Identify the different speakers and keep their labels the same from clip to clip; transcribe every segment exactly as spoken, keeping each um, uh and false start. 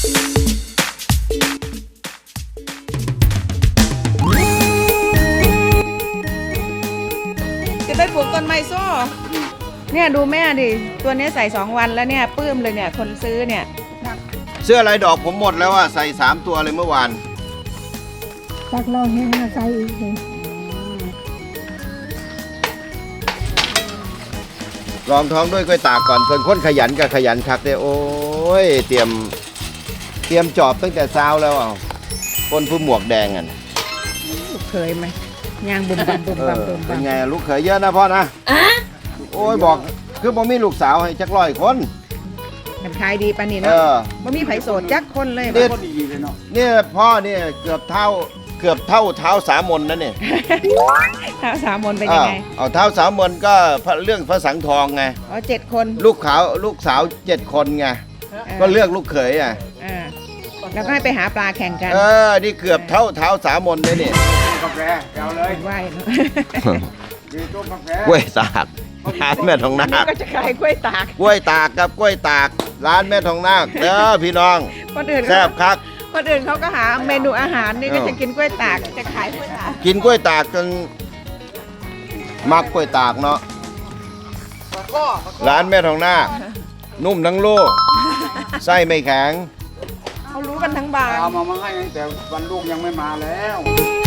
Speaker 1: จะไปปลูกต้นไม้โซ่เนี่ยดูแม่ดิตัวนี้ใส่สองวันแล้วเนี่ยปื้มเลยเนี่ยคนซื้อเนี่ย
Speaker 2: เสื้อลายดอกผมหมดแล้วอ่ะใส่สามตัวเลยเมื่อวาน
Speaker 3: ตักเราแห้งใส่อีกเลย
Speaker 2: รองท้องด้วยกล้วยตากก่อนเพิ่นค้นขยันกับขยันคักเลยโอ้ยเตรียมเตรียมจอบตั้งแต่เช้าแล้วอ่ะคนผู้หมวกแดงอ่ะ
Speaker 1: ลูกเคยไหมยางบุ่มบั่มบุ่มบั่มบุ่มบั่ม
Speaker 2: เป็นไงลูกเขยเยอะนะพ่อนะโอ้ยบอกคือบ่มีลูกสาวให้จักร้อยคน
Speaker 1: มันขายดีปะนี่เนาะบ่มีไผโสดจักคนเลย
Speaker 2: เนี่ยเนี่ยพ่อเนี่ยเกือบเท่าเกือบเท่าเท้าสามนนั่นเนี่ย
Speaker 1: เท้าสามนเป็นยังไง
Speaker 2: เอาเท้าสามนก็เรื่องพระสังทองไง
Speaker 1: อ๋อเจ็ดคน
Speaker 2: ลูกขาวลูกสาวเจ็ดคนไงก็เลือกลูกเขยอ่ะ
Speaker 1: แล้วก็ให้ไปหาปลาแข่งกัน
Speaker 2: เออนี่เกือบเท่าเท้าสามนเลยเนี่ย
Speaker 4: กาแฟเอาเลย
Speaker 1: ไหว
Speaker 4: ดีต้มกาแฟ
Speaker 2: กล้วยตากร้านแม่ทองนาค
Speaker 1: ก็จะขายกล้วยตาก
Speaker 2: กล้วยตากกับกล้วยตากร้านแม่ทองนาคเด้อพี่น้องแซ่บคัก
Speaker 1: คนอื่นเขาก็หาเมนูอาหารนี่ก็จะกินกล้วยตากจะขายกล้วยตาก
Speaker 2: กินกล้วยตากจนมักกล้วยตากเนาะร้านแม่ทองนาคนุ่มทั้งลูกไส้ไม่แข็ง
Speaker 1: เขารู้กันทั้งบาง
Speaker 4: เอามามาให้แต่วันลูกยังไม่มาแล้ว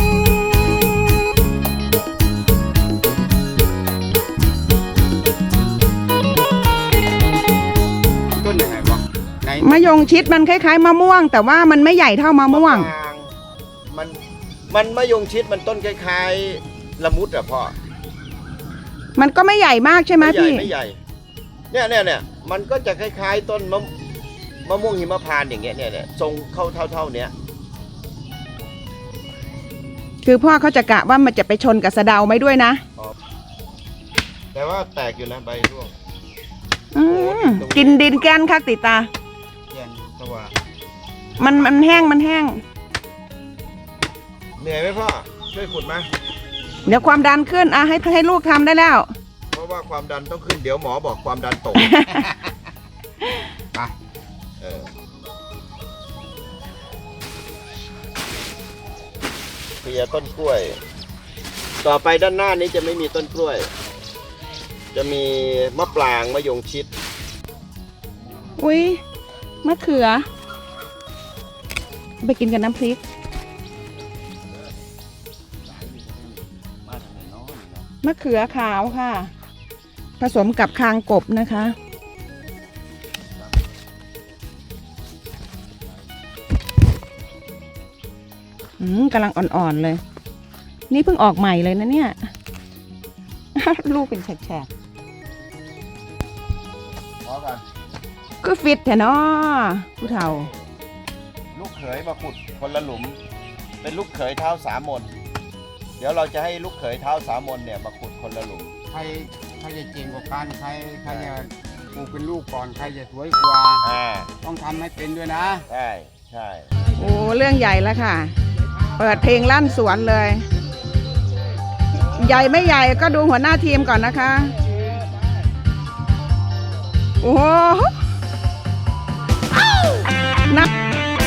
Speaker 4: ต้นยังไงบ้าง
Speaker 1: มะยงชิดมันคล้ายๆมะม่วงแต่ว่ามันไม่ใหญ่เท่ามะม่วง
Speaker 2: มันมันมะยงชิดมันต้นคล้ายๆละมุดอะพ่อ
Speaker 1: มันก็ไม่ใหญ่มากใช่ไหมพี่
Speaker 2: ไม่ใหญ่เนี่ยเนี่ยเนี่ยมันก็จะคล้ายๆต้นมะมะม่วงหิมพานต์อย่างเงี้ยเนี่ยเนี่ยทรงเข้าเท่าๆเนี้ย
Speaker 1: คือพ่อเขาจะกะว่ามันจะไปชนกับสะเดาไหมด้วยนะ
Speaker 2: แต่ว่าแตกอยู่นะใบร่วง
Speaker 1: กินดินแกนคักติตามันมันแห้งมันแห้ง
Speaker 2: เหนื่อยไหมพ่อช่วยขุดมา
Speaker 1: เดี๋ยวความดันขึ้นอ่ะให้ให้ลูกทำได้แล้ว
Speaker 2: เพราะว่าความดันต้องขึ้นเดี๋ยวหมอบอกความดันตกไปเออเคลียร์ต้นกล้วยต่อไปด้านหน้านี้จะไม่มีต้นกล้วยจะมีมะปรางมะยงชิด
Speaker 1: อุ้ยมะเขือไปกินกับน้ำพริกมะเขือขาวค่ะผสมกับคางกบนะคะอืมกำลังอ่อนๆเลยนี่เพิ่งออกใหม่เลยนะเนี่ยลูกเป็นแฉกๆก็ฟิตแท้เนาะผู้เฒ่า
Speaker 2: ลูกเขยมาขุดคนละหลุมเป็นลูกเขยเท้าสามนเดี๋ยวเราจะให้ลูกเขยเท้าสามนเนี่ยมาขุดคนละหลุม
Speaker 4: ใครใครจะเก่งกว่ากันใครใครจะปลูกเป็นลูกก่อนใครจะสวยกว่าต้องทำให้เป็นด้วยนะ
Speaker 2: ใช่ใช่
Speaker 1: โอ้เรื่องใหญ่แล้วค่ะเปิดเพลงลั่นสวนเลยใหญ่ไม่ใหญ่ก็ดูหัวหน้าทีมก่อนนะคะโอ้นัก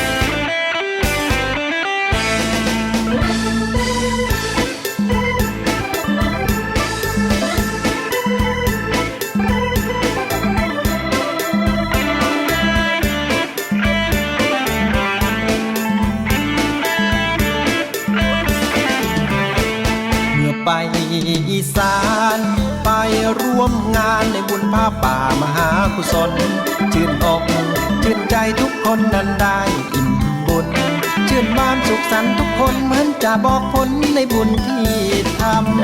Speaker 5: ไปอีสานไปร่วมงานในบุญผ้าป่ามหากุศลชื่นอกชื่นใจทุกคนนั้นได้อิ่มบุญชื่นบานสุขสันต์ทุกคนเหมือนจะบอกผลในบุญที่ทำ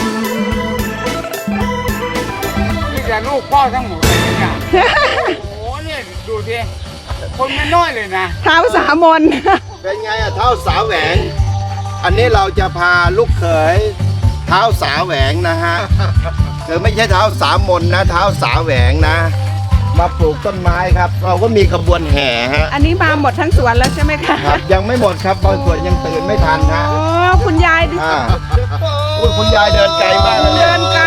Speaker 4: นี่จะลูกพ่อทั้งหมดเลยเนี่ยโอ้เนี่ยดูดิคนไม่น้อยเลยนะ
Speaker 1: เท้าสามน
Speaker 2: เป็นไงอะเท้าสาวแหวงอันนี้เราจะพาลูกเขยเท้าสาแหวงนะฮะคือไม่ใช่เท้าสามมนนะเท้าสาแหวงนะมาปลูกต้นไม้ครับเราก็มีขบวนแห่ฮะ
Speaker 1: อันนี้มาหมดทั้งสวนแล้วใช่ไหมคะ
Speaker 2: ครับยังไม่หมดครับบางส่วนยังตื่นไม่ทันฮะ
Speaker 1: โอ้คุณยายดิ
Speaker 2: คุณยายเดินไกลมาก
Speaker 1: เดินไกล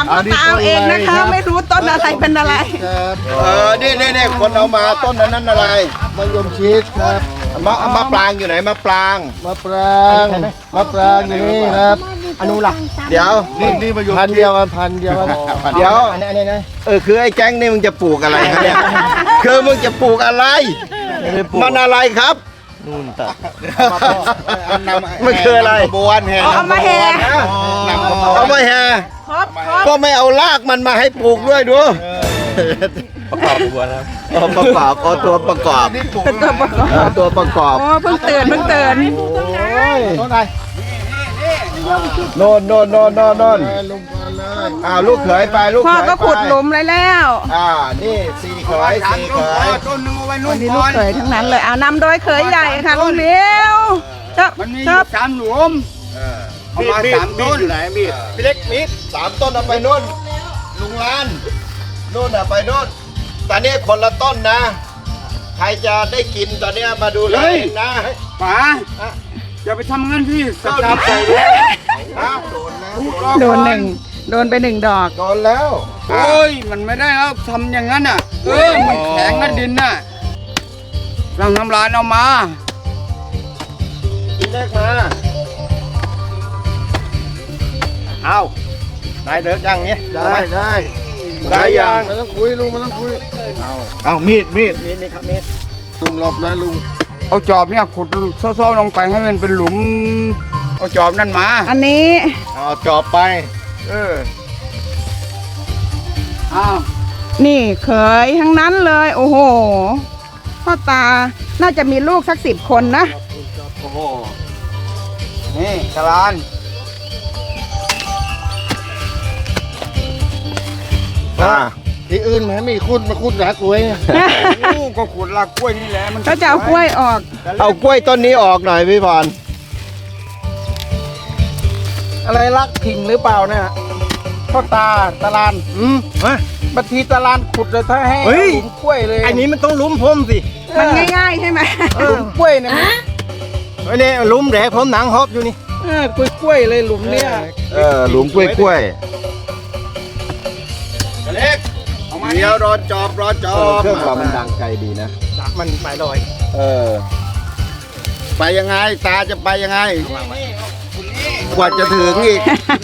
Speaker 1: ามพ่อตาเอาเองนะคะ ไม่รู้ต้นอะไรเป็นอะไร
Speaker 2: เออนี่นี่นี่คนเอามาต้นนั้นนั่นอะไร
Speaker 6: มะยมชิดครับ
Speaker 2: มะมะปรางอยู่ไหนมะปราง
Speaker 6: มะปรางมะปรางอยู่นี่ครับอนุรักษ์
Speaker 2: เดี๋ยว
Speaker 6: นี่นี่มะยมพันเดียวกันพันเดียวกัน
Speaker 2: เดี๋ยว
Speaker 6: อันนี้อันนี้นะ
Speaker 2: เออคือไอ้แก๊งนี่มึงจะปลูกอะไรครับเนี่ยคือมึงจะปลูกอะไร มันอะไรครับ
Speaker 6: นู่นตัด
Speaker 2: มันคืออะไร
Speaker 6: บวนแห่
Speaker 1: เอามาแห่
Speaker 2: เอามาแห่
Speaker 1: ครบครบ
Speaker 2: ก็ไม่เอารากมันมาให้ปลูกด้วยดู
Speaker 6: ประกอบบวนครับ
Speaker 2: เอาประกอบเอาตัวประกอบ
Speaker 1: ตัวประกอบ
Speaker 2: เอาตัวประกอบ
Speaker 1: โอ้เพิ่งตื่นเพิ่งตื่น
Speaker 6: ต้นไหน
Speaker 2: โน่นโน่นโน่นโน่นโน่น
Speaker 6: ลงมาเลย
Speaker 2: อ้าวลูกเขยไปลูกเข
Speaker 1: พ่อย ก็ขุดหลุมเลยแล้ว
Speaker 2: อ่านี่สี่เขยสี่เขย
Speaker 4: ต้นนึงเอาไว้นู่
Speaker 1: วัน
Speaker 4: น
Speaker 1: นี้
Speaker 4: ก่
Speaker 1: ลู
Speaker 4: อก น
Speaker 1: เขยทั้งนั้นเลยเอานำโดยเขยใหญ่ค่ะลุงเลี้ยวชอบ
Speaker 4: มันมีอ
Speaker 1: ชอยู่ บ
Speaker 4: สามหลุม
Speaker 2: เออ
Speaker 4: เอามาสามต้น
Speaker 2: อยู่ไหนมีดพี่เล็กมีดสามต้นเอาไปนู่นลุงลานนู่นอ่ะไปนู่นตอนนี้คนละต้นนะ ใครจะได้กินตอนนี้มาดูเลยเองนะ
Speaker 4: ป๋าอย่าไปทำงั้นพี่ส
Speaker 2: เข้า
Speaker 4: ตา
Speaker 2: ดี
Speaker 4: ร์ท
Speaker 2: ใจ
Speaker 4: ใส่
Speaker 2: แล้ว
Speaker 4: แล้ว
Speaker 1: โดนหนึ่งโดนไปหนึ่งดอก
Speaker 2: โดนแล้ว
Speaker 4: โอ้ยมันไม่ได้แล้วทำอย่างนั้นอ่ะเออมันแข็งนะดินน่ะเราทำลายเอามา
Speaker 2: พี่เล็กมาเอาได้เด็กยังเนี้ย
Speaker 6: ได้ได้
Speaker 2: ได้ยัง
Speaker 6: ไม่ต้องคุยลุงไม่ต้องคุย
Speaker 2: เอามีดมีด
Speaker 6: นี่นี่ครับเม็ดลุงหลบนะลุง
Speaker 4: เอาจอบเนี่ยขุดซ้อๆลงไปให้มันเป็นหลุมเอาจอบนั่นมา
Speaker 1: อันนี้
Speaker 2: เอาจอบไป
Speaker 4: เอออ้าว
Speaker 1: นี่เขยทั้งนั้นเลย โอ้โหพ่อตาน่าจะมีลูกสักสิบคนนะ
Speaker 4: โอ้โหนี่กะลาน
Speaker 2: อ่า
Speaker 6: ที่อื่นไหมมีคุดมาคุดหนากล้วยเนี่ย
Speaker 4: โอ้ก็ขุดรากกล้วยนี่แหละมัน
Speaker 1: ก็จะเอากล้วยออก
Speaker 2: เอากล้วยต้นนี้ออกหน่อยพี่พร
Speaker 6: อะไรรักถิ่งหรือเปล่าเนี่ยพ่อตาตะลาน
Speaker 2: อืมฮะ
Speaker 6: บัดทีตะลานขุดเลยถ้าให้
Speaker 2: เฮ้ย
Speaker 6: หลุมกล้วยเลย
Speaker 2: อันนี้มันต้องลุ้มผมสิ
Speaker 1: มันง่ายๆใช่ไหม
Speaker 6: หลุมกล้วยเนี่ย
Speaker 2: อันนี้ลุ้มแหลผมหนังฮอบอยู่นี่
Speaker 6: เออกล้วยกล้วยเลยหลุมเนี่ย
Speaker 2: เออหลุมกล้วยกล้วยเล็ก
Speaker 4: เอามา
Speaker 2: เดี๋ยวรอจอบรอจอบเครื่องเรามันดังไกลดีนะ
Speaker 6: มันไปลอย
Speaker 2: เออ ไปยังไงตาจะไปยังไง กว่าจะถึงอีก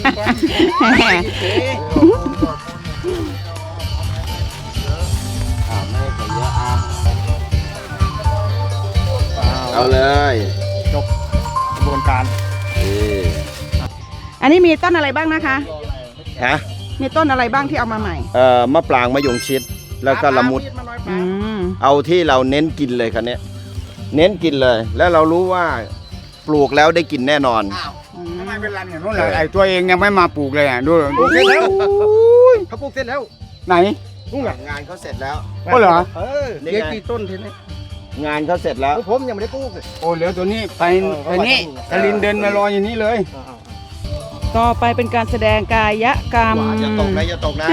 Speaker 2: เอาเลย
Speaker 6: กระบวนการ
Speaker 2: นี่
Speaker 1: อันนี้มีต้นอะไรบ้างนะคะ
Speaker 2: ฮะ
Speaker 1: มีต้นอะไรบ้างที่เอามาใหม่
Speaker 2: เอ่อมะปรางมะยงชิด แล้วก็ละมุด
Speaker 1: อืม
Speaker 2: เอาที่เราเน้นกินเลยคันนี้ยเน้นกินเลย แล้วเรารู้ว่าปลูกแล้วได้กินแน่นอน
Speaker 4: ทำไมเป็นรันอย่างนู้นเลยไอ้ตัวเองยังไม่มาปลูกเลยอ่ะดูดู
Speaker 6: เสร็จแล้วเขาปลูกเสร็จแล้ว
Speaker 4: ไหน
Speaker 2: งานเขาเสร็จแล้ว
Speaker 4: ก็เหรอ
Speaker 6: เออ
Speaker 2: นี่
Speaker 6: เดี๋ยว
Speaker 2: ไง
Speaker 6: กี่ต้นทีนี้
Speaker 2: งานเขาเสร็จแล้ว
Speaker 6: ผมยังไม่ได้ปลูกเลย
Speaker 4: โอ้เหลือตัวนี้ไปไปนี่กลินเดินมารออย่างนี้เลย
Speaker 1: ต่อไปเป็นการแสดงกายกรรม
Speaker 2: อย่าตกนะอย่าตกนะ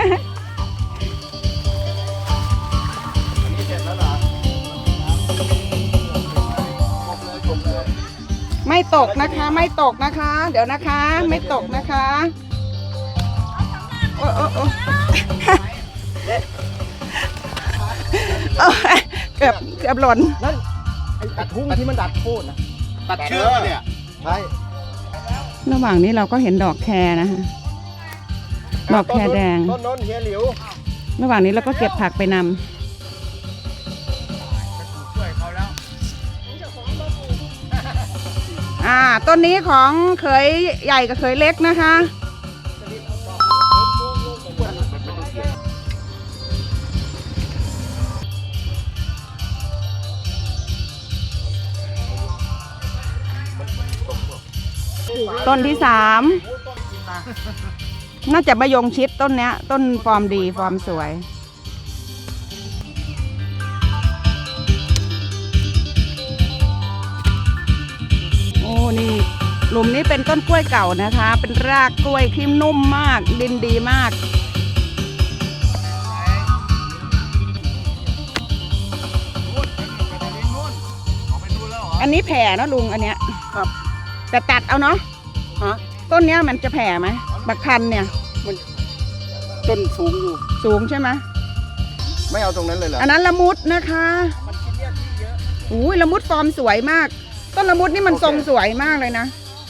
Speaker 1: ไม่ตกนะคะ ไม่ตกนะคะ เดี๋ยวนะคะ ไม่ตกนะคะโอ้โอ้โอ้โอ้ยเกือบเกือบหล่น
Speaker 6: นั่นไอ้กระทุ้งที่มันดัดโค่นนะ
Speaker 4: ตัดเชือกเนี่ย
Speaker 6: ใช่
Speaker 1: ระหว่างนี้เราก็เห็นดอกแครนะคะดอกแครแดง
Speaker 2: ต้นโน้นเฮียหลิว
Speaker 1: ระหว่างนี้เราก็เก็บผักไปนำอ่าต้นนี้ของเขยใหญ่กับเขยเล็กนะคะ ต้นที่สามน่าจะมะยงชิดต้นเนี้ย ต้นฟอร์มดีฟอร์มสวย โอ้นี่หลุมนี้เป็นต้นกล้วยเก่านะคะ เป็นรากกล้วยที่นุ่มมาก ดินดีมาก อันนี้แผ่เนอะลุงอันเนี้ย
Speaker 6: ครับ
Speaker 1: แต่ตัดเอาเนาะ
Speaker 6: ฮะ
Speaker 1: ต้นเนี้ยมันจะแผ่ไหมบักคันเนี่ย
Speaker 6: ต้นสูงอยู่
Speaker 1: สูงใช่ไหม
Speaker 2: ไม่เอาตรงนั้นเลยเหรอ
Speaker 1: อันนั้นละมุดนะคะอุ้ยละมุดฟอร์มสวยมาก ต้นละมุดนี่มันทรงสวยมากเลยนะ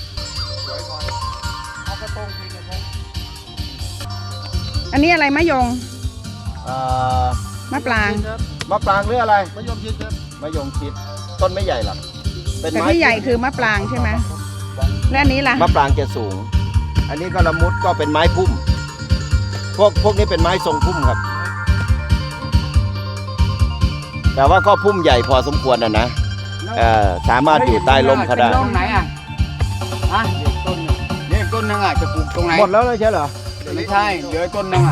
Speaker 1: อันนี้อะไรมะยง
Speaker 2: อ่าม
Speaker 1: ะปราง
Speaker 2: มะปรางหรืออะไร
Speaker 6: มะยมชิดครับ
Speaker 2: มะยงชิดต้นไม่ใหญ่หรอกเป็น
Speaker 1: แต่
Speaker 2: ไม้
Speaker 1: ที่ใหญ่คือมะปรางใช่ไหมและอันนี้ล่ะ
Speaker 2: มะปรางจะสูง อันนี้ก็ละมุดก็เป็นไม้พุ่ม พวกพวกนี้เป็นไม้ทรงพุ่มครับ แต่ว่าก็พุ่มใหญ่พอสมควรนะนะเออสามารถอยู่ใต้ร่มเขาได้
Speaker 4: ต้นไหนอ่ะฮะเดี๋ยวต้นหนึ่งนี่ต้นหนึงอ่ะจะปลูกตรงไหน
Speaker 2: หมดแล้วเลยใช่เหรอ
Speaker 4: ไม่ใช่เหลือต้นหนึงอ่ะ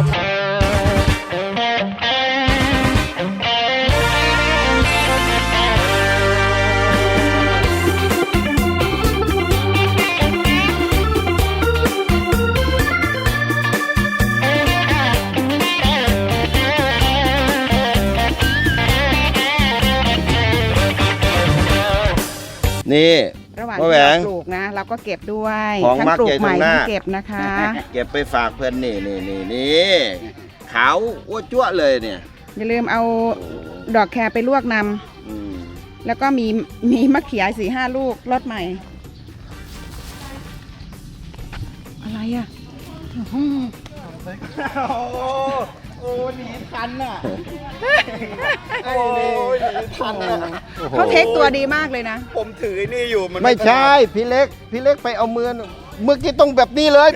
Speaker 2: นี่
Speaker 1: ระหว่าง
Speaker 2: มะ
Speaker 1: ที่
Speaker 2: แหวง
Speaker 1: เราปลูกนะ เราก็เก็บด้วย
Speaker 2: ของ
Speaker 1: ทั้ง
Speaker 2: มัก
Speaker 1: ปลู
Speaker 2: ใหญ่
Speaker 1: กใหม่
Speaker 2: ตรงหน้า
Speaker 1: ทั้งเก็บนะคะ
Speaker 2: เก็บไปฝากเพื่อนนี่นี่นี่นี่ขาวอ้วจั่วเลยเนี่ย
Speaker 1: อย่าลืมเอาดอกแครไปลวกน
Speaker 2: อืม
Speaker 1: ำแล้วก็มีมีมะเขือสี่ห้าลูกรสใหม่ อะไรอ่ะ
Speaker 6: โอ้โอ้หนีทันน่ะโอ้ยหนีทันน่ะ
Speaker 1: เขาเทคตัวดีมากเลยนะ
Speaker 6: ผมถือนี่อยู่มัน
Speaker 2: ไม่ใช่พี่เล็กพี่เล็กไปเอามือเมื่อกี้ต้องแบบนี้เลย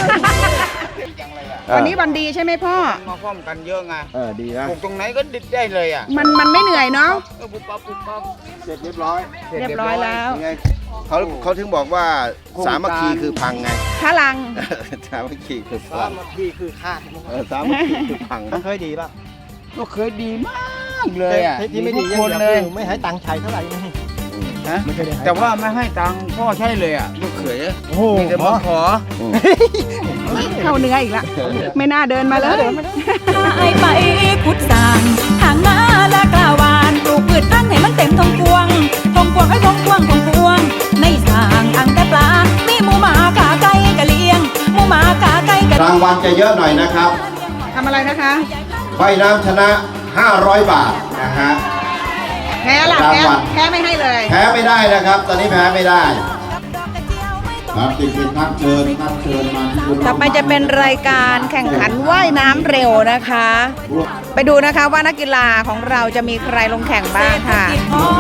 Speaker 1: วันนี้วันดีใช่ไหมพ่อ
Speaker 4: มาพร้อมกันเยอะไง
Speaker 2: เออดีนะ
Speaker 4: ปลูกตรงไหนก็ดิดได้เลยอ่ะ
Speaker 1: มันมันไม่เหนื่อยเนาะ
Speaker 4: เออปุ๊บปั๊บปุ๊บปั๊บ
Speaker 2: เสร็จเรียบร้อย
Speaker 1: เรียบร้อยแล้ว
Speaker 2: ยังไงเขาเขาถึงบอกว่าสามัคคีคือพังไง
Speaker 1: พลัง
Speaker 2: สามัคคีคือพ
Speaker 6: สา
Speaker 2: ลัง
Speaker 6: มัคคีคือคาด
Speaker 2: เออสามัคคีคือพัง
Speaker 6: เคยดีป่ะ
Speaker 4: ก็เคยดีมากเลยอ่ะ
Speaker 6: ที่ไม่ดี
Speaker 4: ทุกคนเลย
Speaker 6: ไม่ให้ตังค์ใช้เท่าไหร่
Speaker 4: ฮะแต่ว่าไม่ให้ตังค์พ่อใช่เลยอ่ะลูกเขย
Speaker 6: โอ้โห
Speaker 4: มีแต่มาขอ
Speaker 1: เข้าเนื้ออีกละไม่น่าเดินมาเลย
Speaker 7: ไอไปขุดสางห่างนาและกล้าวานปลูกพืชพันธุ์ให้มันเต็มทงพวงทงพวงให้ทงพวงทงพวง ในสางอ่างแต่ปลา มีหมูหมากาไก่กะเลียงหมูหมากาไก่กะ
Speaker 2: รางวัลจะเยอะหน่อยนะครับ
Speaker 1: ทำอะไรนะคะ
Speaker 2: ว่ายน้ำชนะห้าร้อยบาทนะฮะ
Speaker 1: แพ้ล่ะ
Speaker 2: ราง
Speaker 1: แพ้
Speaker 2: วัล
Speaker 1: แพ้ไม่ให้เลย
Speaker 2: แพ้ไม่ได้นะครับ ตอนนี้แพ้ไม่ได้
Speaker 7: ครับ
Speaker 2: ติดติดครับเชิญครับเชิญมาที่
Speaker 1: ต่อไปจะเป็นรายการแข่งขันว่ายน้ำเร็วนะคะ ไปดูนะคะว่านักกีฬาของเราจะมีใครลงแข่งบ้างค่ะ
Speaker 7: พอ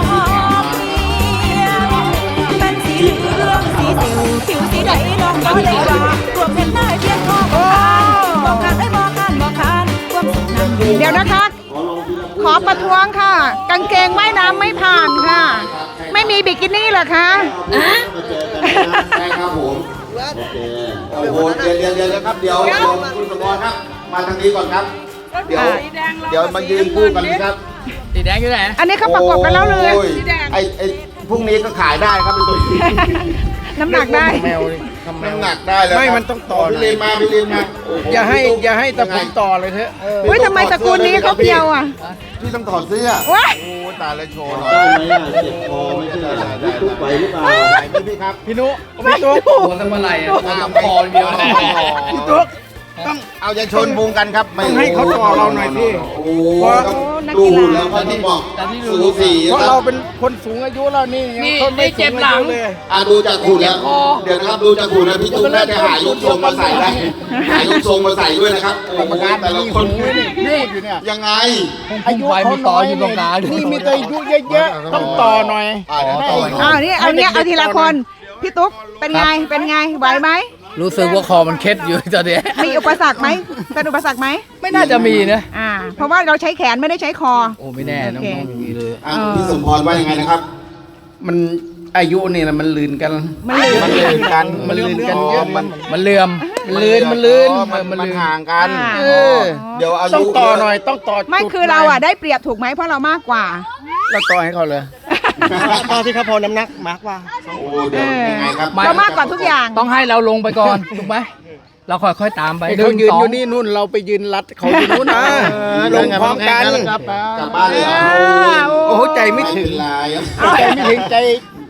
Speaker 7: เพียงเป็นสีเหลืองสีสิวผิวสีใดน้องน้อยเลยว่ารวมเห็นได้เพียงพอบอกคานบอกคานได้บอกคานบอกคานความสุขนั้นอยู่
Speaker 1: เดี๋ยวนะคะ ขอประท้วงค่ะ กางเกงว่ายน้ำไม่ผ่านค่ะ ไม่มีบิกินี่เหรอคะ
Speaker 2: ใช่ครับผมโอเคโอ้โหเดี๋ยวเดี๋ยวเดี๋ยวนะครับเดี๋ยวเดี๋ยวคุณสมรครับ มาทางนี้ก่อนครับ เดี๋ยวเดี๋ยวมายืนคู่กันครับ
Speaker 4: สีแดงอยู่ไหน
Speaker 1: อันนี้เขาประกบกันแล้วเลย
Speaker 2: โอ้ไอ้ไอ้พรุ่งนี้ก็ขายได้ครับเป็นตัว
Speaker 1: น้ำหนักได้
Speaker 6: แมวนี่ทำแม
Speaker 2: น้ำ
Speaker 6: ว
Speaker 2: หนักได้แล้ว
Speaker 6: ไม่มันต้องต่อ
Speaker 2: พี่ลินมาพี่ลินมาโโ
Speaker 6: อย่าให้อย่าให้ตะผมต่อเลยเถอะ
Speaker 1: อุ้ยทำไมตระกูลนี้เขาเพียวอ่ะ
Speaker 2: พี่ต้องถอดเสื้อ
Speaker 1: ว้า
Speaker 2: โอ้ตายแล้วโชว์หน่อยได้ไหมอ่ะเจ็บคอไม่ใช่เหรอได้ทุกไปหรือเปล่าไหนพี่ครับ
Speaker 6: พี่นุพี่ตุ๊ก
Speaker 4: หัวตั้งเมื่อไหร่อ่ะหัวคอเดียวเลย
Speaker 6: พี่ตุ๊ก
Speaker 2: ต้องเอาใจชนวงกันครับไม่
Speaker 6: ต้องให้เขาต่อเราหน่อยพี่
Speaker 2: โอ้โหต้องดูแล้วก็ต้องบอกสูสี
Speaker 6: เพราะ
Speaker 2: ค
Speaker 6: เรา
Speaker 2: รับ
Speaker 6: เป็นคนสูงอายุแล้วนี่ยังคนไม่สูงอายุเลย
Speaker 2: อ่ะดูจากหุ่นแล้วเดี๋ยวนะครับดูจากหุ่นนะพี่จุ๊บน่าจะหายกทรงมาใส่ได้หายกทรงมาใส่ด้วยนะครับโอ้โหแต่ละคน
Speaker 6: นี่อยู่เนี่ย
Speaker 2: ยังไง
Speaker 6: อายุเขาน้อยนี่มีแต่อายุเยอะๆต้องต่อหน่อย
Speaker 2: อ่ะเดี๋ยวต่อหน่อย
Speaker 1: อ้าวนี่เอาเนี้ยเอาทีละคน พี่ตุ๊กเป็นไง เป็นไง ไหวไหม
Speaker 8: รู้สึกว่าคอมันเคล็ดอยู่ตอนเนี้ย
Speaker 1: มีอุปสรรคไหมเป็นอุปสรรคไหม
Speaker 8: ไม่น่าจะมีนะ
Speaker 1: อ่า เพราะว่าเราใช้แขนไม่ได้ใช้คอ
Speaker 8: โอ้ไม่แน่น้
Speaker 1: โอเค
Speaker 8: องๆอย่างนี้เลย
Speaker 2: อ่ะพี่สมพรว่ายังไงนะครับ
Speaker 6: มันอายุนี่นะมันลืนกัน
Speaker 1: มันลืม
Speaker 6: มันลืนกันมันลืนกันเยอะ
Speaker 2: มั
Speaker 6: มัน น
Speaker 8: มันเลื่อม มันลื่นมันลื่น
Speaker 2: อ๋อมัน
Speaker 8: เออ
Speaker 2: มันห่างกัน
Speaker 1: อ่า
Speaker 6: เออ
Speaker 2: เดี๋ยวอายุ
Speaker 6: ต้องต่อหน่อยต้องต่อ
Speaker 1: ไม่
Speaker 6: จุด
Speaker 1: คือเราอ่ะได้เปรียบถูกไหมเพราะเรามากกว่า
Speaker 6: เราต่อให้เขาเลยต่อที่เขาพอน้ำหนักมากกว่า
Speaker 2: โอ้เดี๋ยวยังไงครับ
Speaker 1: เรามากกว่าทุกอย่าง
Speaker 8: ต้องให้เราลงไปก่อน ถูกไหม เราค่อยๆตามไป
Speaker 6: เขายืนอยู่นี่นู่นเราไปยืนรัดเขาอยู่นู่นนะลงพร้อมกัน
Speaker 2: กลับบ้านเลยเหรอ
Speaker 6: โอ้โหใจไม่ถึง
Speaker 2: ลาย
Speaker 6: ใจไม่ถึงใจ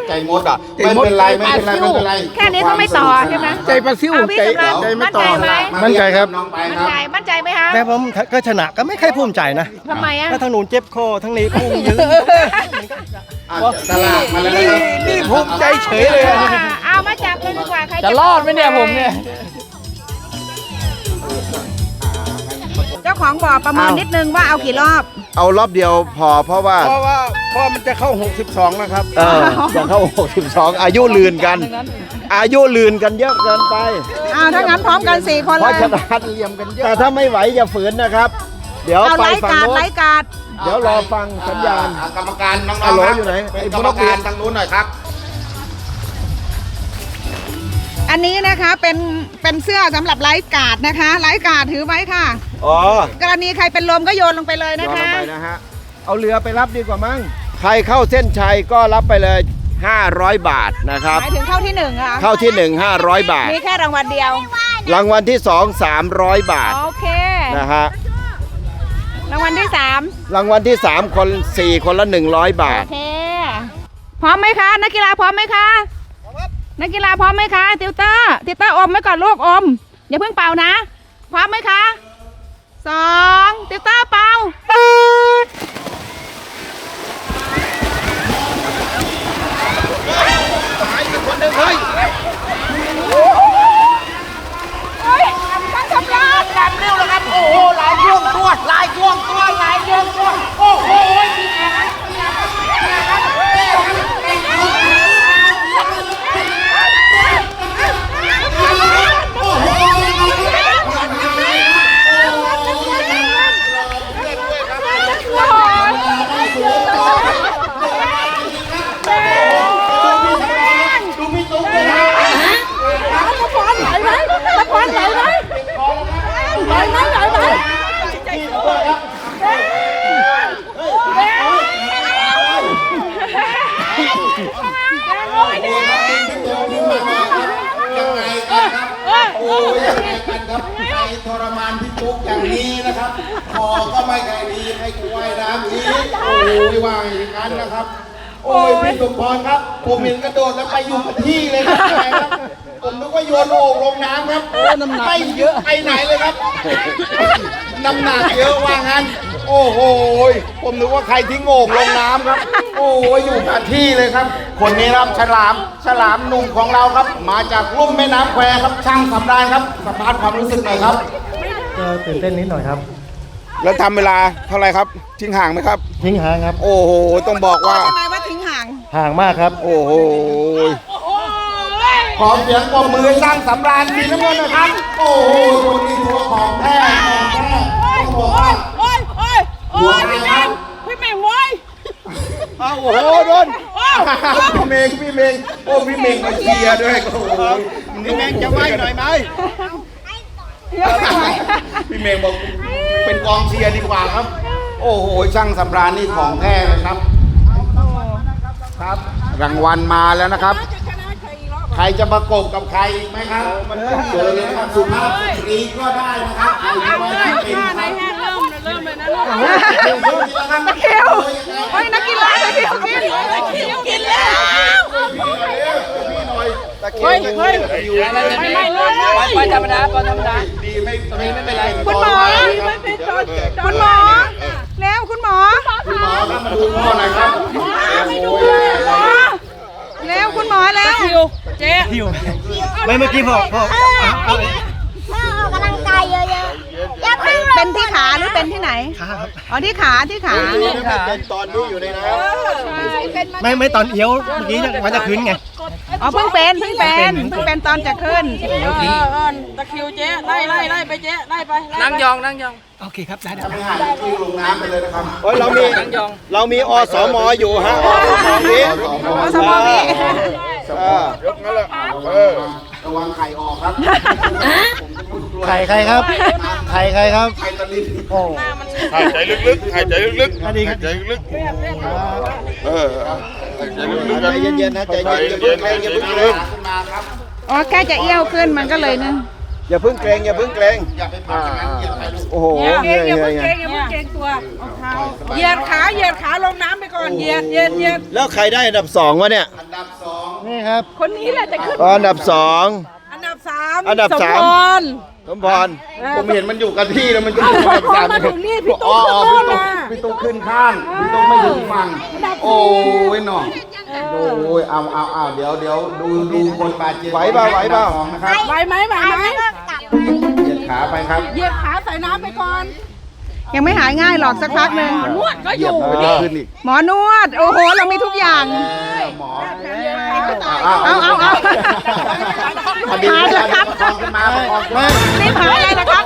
Speaker 2: ใจมดอ่ะไม่เป็นไรไม่เป็นไรไม่เป็นไร
Speaker 1: แค่นี้ก็ไม่ต่อใช่ไหม
Speaker 6: ใจปลาซิ่ว
Speaker 1: เอาพี่
Speaker 6: ใจ
Speaker 1: สำราญ
Speaker 6: ใจไม่
Speaker 1: มั่น
Speaker 6: ต่อ
Speaker 1: ใจไหม
Speaker 6: มั่นใจครับ
Speaker 2: น้องไป
Speaker 1: มั่น
Speaker 2: ครับ
Speaker 1: ใจมั่นใจไหมคะ
Speaker 6: แต่ผมก็ชนะก็ไม่ค่อยภูมิใจนะ
Speaker 1: ทำไมอ่ะ
Speaker 6: ถ้าทางนู้นเจ็บคอทางนี้พุ่งยืน
Speaker 2: อ่ะตลาดมาแล้วนะครับ
Speaker 6: นี่ภูมิใจเฉยเลยอะ
Speaker 1: เอามาจับเลยดีกว่าใคร
Speaker 8: จะรอดไหมเนี่ยผมเนี่ย
Speaker 1: เจ้าของบ่อประเมินนิดนึงว่าเอากี่รอบ
Speaker 2: เอารอบเดียวพอเพราะว่า
Speaker 6: เพราะว่าเพราะมันจะเข้าหกสิบสองนะครับ
Speaker 2: เออจะเข้าหกสิบสองอายุลืนกัน อายุลืนกันเยอะเกินไป
Speaker 1: เอาถ้างั้นพร้อมกันสี่คน
Speaker 2: เพ
Speaker 1: เล
Speaker 2: ราะ
Speaker 1: ย
Speaker 2: ฉะนั้นเหลี่ยมกันเยอะแต่ถ้าไม่ไหวอย่าฝืนนะครับ เดี๋ยว
Speaker 1: เอา
Speaker 2: ไป
Speaker 1: ไล่
Speaker 2: ฝั่ง
Speaker 1: กาด
Speaker 2: โน้น
Speaker 1: ไล่กาด
Speaker 2: เดี๋ยวรอฟังสัญญาณ
Speaker 4: กรรมการน้อง
Speaker 2: ฮัลโหล
Speaker 4: ๆครับ
Speaker 2: อยู่ไหน
Speaker 4: เป็นกรรมการทางนู้นหน่อยครับ
Speaker 1: อันนี้นะคะเป็นเป็นเสื้อสำหรับไลฟ์การ์ดนะคะไลฟ์การ์ดถือไว้ค่ะ
Speaker 2: อ๋อก
Speaker 1: รณีใครเป็นลมก็โยนลงไปเลย
Speaker 2: ย้
Speaker 1: นะ
Speaker 2: อนล
Speaker 1: คะ
Speaker 2: งไปนะฮะเอาเรือไปรับดีกว่ามั้งใครเข้าเส้นชัยก็รับไปเลยห้าร้อยบาทนะครับ
Speaker 1: หมายถึงเข้าที่หนึ่งอะ
Speaker 2: เข้าที่หนึ่ง ห้าร้อยบาท
Speaker 1: มีแค่รางวัลเดียว
Speaker 2: รางวัลที่สองสามร้อยบาท
Speaker 1: โอเค
Speaker 2: นะฮะ
Speaker 1: รางวัลที่สาม
Speaker 2: รางวัลที่สามคนสี่คนละหนึ่งร้อยบา
Speaker 1: โอ
Speaker 2: ท
Speaker 1: เคพร้อมไหมคะนักกีฬาพร้อมไหมคะนักกีฬาพร้อมไหมคะติวเตอร์ติวเตอร์อมไว้ก่อนลูกอมอย่าเพิ่งเป่านะ พร้อมไหมคะสองติวเตอร์เป่าเฮ้ยตั้งสำราญดันเร็วแล้วครับโอ้โหหลายช่วงตัวหลายช่วงตัวหลายช่วงตัวโอ้โห
Speaker 4: โอ้ยยังไงกันครับใครทรมานพี่ตุ๊กอย่างนี้นะครับคอก็ไม่ไกลดีให้กูว่ายน้ำอีกโอ้ยว่าอย่างนั้นนะครับ โอ้ยพี่สมพรครับ ผมเห็นกระโดดแล้วไปอยู่กับที่เลยครับแหมครับ ผมนึกว่าโยนโอ่งลงน้ำครับน้ำหนักเยอะไปไหนเลยครับน้ำหนักเยอะว่างั้น โอ้โหผมนึกว่าใครทิ้งโอ่งลงน้ำครับ โอ้ยอยู่กับที่เลยครับ คนนี้ครับฉลามฉลามหนุ่มของเราครับ มาจากลุ่มแม่น้ำแควครับช่างสำราญครับสัมภาษณ์ความรู้สึกหน่อยครับ
Speaker 6: ก็ตื่นเต้นนิดหน่อยครับ
Speaker 4: แล้วทำเวลาเท่าไหร่ครับทิ้งห่างไหมครับ
Speaker 6: ทิ้งห่างครับ
Speaker 4: โอ้โหต้องบอกว่า
Speaker 1: ทำไมว่าทิ้งห่าง
Speaker 6: ห่างมากครับ
Speaker 4: โอ้โหขอเสียงปรบมือให้สร้างสำราญสีน้ำเงินหนะครับ โอ้โหคนนี้ตัวของแท้ของแท้ต้องบอกว่า
Speaker 1: โอ้ยโอ้ยโอ้ยพี่แมงพี่แมงโว้ย
Speaker 4: อ้าวโอ้โหโดนพี่เมงพี่เมงโอ้พี่เมงมาเชียร์ด้วยโอ้โหพี่เมงจะไหวหน่อยไหมพี่เมงบอกเป็นกองเชียร์ดีกว่าครับ โอ้โหช่างสำราญนี่ของแท้เลยครับ ครับรางวัลมาแล้วนะครับ ใครจะประกบกับใครอีกไหมครับมันต้องเจอเลยนะครับสุภาพสตรีก็ได้นะครับใครที่ไม่ได้เป็นครับเริ่มเลยนะลูก
Speaker 1: ตะเคียวโอ้ยนักกีฬาตะเคียวกินตะเคียวกินแล้ว
Speaker 4: ตะเคียวเฮ้ย
Speaker 1: ไม่ไม่เลื่อนเลย
Speaker 8: ไปธรรมดาไปธรรมดา
Speaker 4: ดีไม่ตรงนี้ไม่เป็นไร
Speaker 1: คุณหมอคุณหมอแล้วคุณหมอ
Speaker 4: คุณหมอครับมาดูพ่อหน่อยครับ
Speaker 1: ให้ดูเลยหมอแล้วคุณหมอแล้วเจ๊
Speaker 6: ไม่เมื่อกี้พอพอ
Speaker 3: ถ้าออกกำลังกายเยอะๆอย่าเพิ่ง
Speaker 1: เป็นที่ขาหรือเป็นที่ไหน
Speaker 6: ขาครับ
Speaker 1: อ๋อที่ขาที่ขา
Speaker 2: เป็นตอนที่อยู่ในน้ำ
Speaker 6: ไม่ไม่ตอนเอี้ยวเมื่อกี้ยังว่าจะขึ้นไง
Speaker 1: อ๋อเพิ่งเป็นเพิ่งเป็นเพิ่งเป็นตอนจะขึ้น
Speaker 9: ตะคริวเจ๊ไล่ไล่ไล่ไปเจ๊ไล่ไปไล่ไป
Speaker 8: นั่งยองนั่งยอง
Speaker 6: โอเคครับ ได้ได้
Speaker 4: ไม่ห่างที่ลงน้ำไปเลยนะครับ
Speaker 2: โอ้ยเรามี
Speaker 8: นั่งยอง
Speaker 2: เรามีอสมอยู่ฮะอสมนี้
Speaker 1: อสมนี้
Speaker 2: เออย
Speaker 4: กนั่นแหละเออระวังไข่ออกครับ
Speaker 6: ไข่ใครครับ ไข่ใครครับ
Speaker 4: ไข่ตะลิน
Speaker 6: โอ้
Speaker 10: หายใจลึกๆหายใจลึก
Speaker 6: อันนี้ครับ
Speaker 10: ๆหายใจลึกๆเออหายใจลึกๆ
Speaker 2: ใจ
Speaker 10: กัน
Speaker 2: เย็นๆนะใจเย็นอย่าเพิ่งแรงอย่าเพิ่งแรง
Speaker 4: ขึ้นมาครับ
Speaker 1: อ๋อแค่จะเอี้ยวขึ้นมันก็เลยเนี่ย
Speaker 2: อย่าเพิ่งเกรงอย่าเพิ่งเกรง
Speaker 4: อย่าไปผ่านอย่างนั้นเหยียบใครลูก
Speaker 2: โอ้โห
Speaker 9: เก่งอย่า
Speaker 2: เหนื่
Speaker 9: เพิ่
Speaker 2: อย
Speaker 9: ง
Speaker 2: ไง
Speaker 9: เก่งอย่าเพิ่งเก่งตัวเหยียดขาเหยียดขาลงน้ำไปก่อนเหยียดเหยียดเหยียด
Speaker 2: แล้วใครได้อันดับสองวะเนี่ย
Speaker 4: อันดับสอง
Speaker 6: นี่ครับ
Speaker 9: คนนี้แหละจะขึ้น
Speaker 2: อ๋ออันดับสอง
Speaker 9: อันดับสาม
Speaker 2: อันดับสาม
Speaker 9: สมพร
Speaker 2: สมพร
Speaker 4: ผมเห็นมันอยู่กับที่แล้วมันจะ
Speaker 9: เอา
Speaker 4: อยู่
Speaker 9: พอ
Speaker 4: กับ
Speaker 9: พอ
Speaker 4: สาม
Speaker 9: มาถึงนี่พี่
Speaker 4: อ๋
Speaker 9: ตุ๊
Speaker 4: อก
Speaker 9: ขึ้น
Speaker 4: อ๋อ
Speaker 9: โน่
Speaker 4: พี่
Speaker 9: น
Speaker 4: ตุ๊ก
Speaker 9: นะ
Speaker 4: พี่ตุ๊กขึ้นข้างพี่ตุ๊กไม่ถึงฝั่งโอ้ยหน่อโอ้ยเอาเอาเอาเดี๋ยวเดี๋ยวดูดูบนบาดเจ็บ
Speaker 2: ไหวเปล่าไหวเปล่า
Speaker 4: อันดับสองนะครับ
Speaker 9: ไหวไหมไหวไหม
Speaker 4: เหยียดขาไปครับ
Speaker 9: เหยียดขาใส่น้ำไปก่อน
Speaker 1: ยังไม่หายง่ายหรอกสักพักหนึ่ง
Speaker 9: นวดก็อ
Speaker 2: เหยียบ
Speaker 9: ยู่
Speaker 2: ไม่ได้ขึ้นอีก
Speaker 1: หมอนวด โอ้โห เรามีทุกอย่าง
Speaker 4: หมอ
Speaker 1: เอาเอาเอา
Speaker 4: พอดี
Speaker 1: หายแล้วครับ
Speaker 4: ประคองขึ้นมาประคองขึ้นมา
Speaker 1: รีบหายเลยนะครับ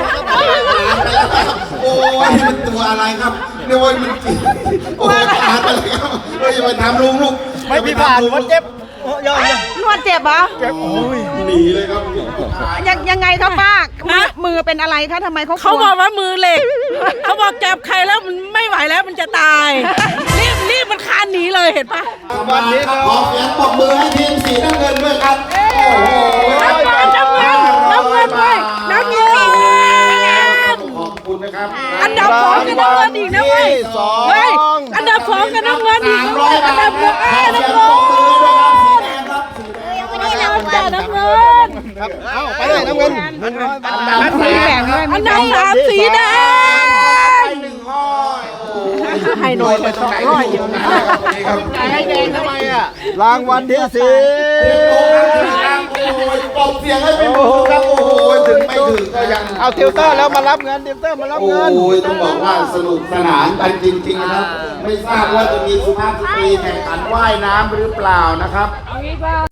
Speaker 4: โอ้ยมันตัวอะไรครับเนี่ยโอ้ยมันโอ้ยขาดไปเลยครับเฮ้ยอย่าไปทำลุงลูก
Speaker 6: ไม่พี่ผ่านว่าเจ็บโอ้ยยอดเลย
Speaker 1: นวดเจ็บเหรอ
Speaker 4: หนีเลยครับ
Speaker 1: ยังยังไงครับป้ามือมือเป็นอะไรคะทำไมเขา
Speaker 9: เขาบอกว่ามือเหล็ก เขาบอกจับใครแล้วมันไม่ไหวแล้วมันจะตาย รีบรีบมันคานหนีเลยเห็นปะ
Speaker 4: วันนี้ครับขอเสียงปรบมือให้ทีมสีน้ำเงินด้วยครับโอ้โห
Speaker 9: น้ำเงินน้ำเงินน้ำเงินด้วยน้ำเงิน
Speaker 4: ขอบคุณนะครับ
Speaker 9: อันดับสองกับน้ำเงินอีกนะเว้ย
Speaker 2: สอง
Speaker 9: เฮ้ยอันดับสองกับน้ำเงินอีก
Speaker 4: สาม
Speaker 9: นะ
Speaker 4: ร้อย
Speaker 9: อัน
Speaker 4: บา
Speaker 9: ดั
Speaker 4: ท
Speaker 9: บเงิน
Speaker 4: ขอ
Speaker 9: เอ้ย
Speaker 4: เสียง
Speaker 9: น้ำ
Speaker 4: ปร
Speaker 9: เงิ
Speaker 4: บ
Speaker 9: น
Speaker 4: มือด้วยครับสีแดงครับสีแดง
Speaker 9: อันดับแต่น้ำเงิน
Speaker 6: ครับเอาไปเลยน้ำเงินหนึ่งร้อยบาท
Speaker 4: อันดับ
Speaker 1: มี
Speaker 4: สา
Speaker 1: แบ่ง
Speaker 4: ม
Speaker 1: ด้วย
Speaker 9: อันดับสามสีแดง
Speaker 4: หนึ่งห้อยโอ้โห
Speaker 9: ให้หน่อยเลยสองร้อยอยู่นะ
Speaker 4: ให้แดงทำไมอ่ะ
Speaker 2: รางวัลที่สี่
Speaker 4: โอ้ยปอบเสียงให้เป็นมือครับโอ้ยถึงไม่ถึงก็ยัง
Speaker 2: เอาติวเตอร์แล้วมารับเงินติวเตอร์มารับ
Speaker 4: โอ้
Speaker 2: เงิน
Speaker 4: ยต้องบอกว่าสนุกสนานกันจริงๆนะครับ ไม่ทราบว่าจะมีสุภาพสตรีแข่งขันว่ายน้ำหรือเปล่านะครับ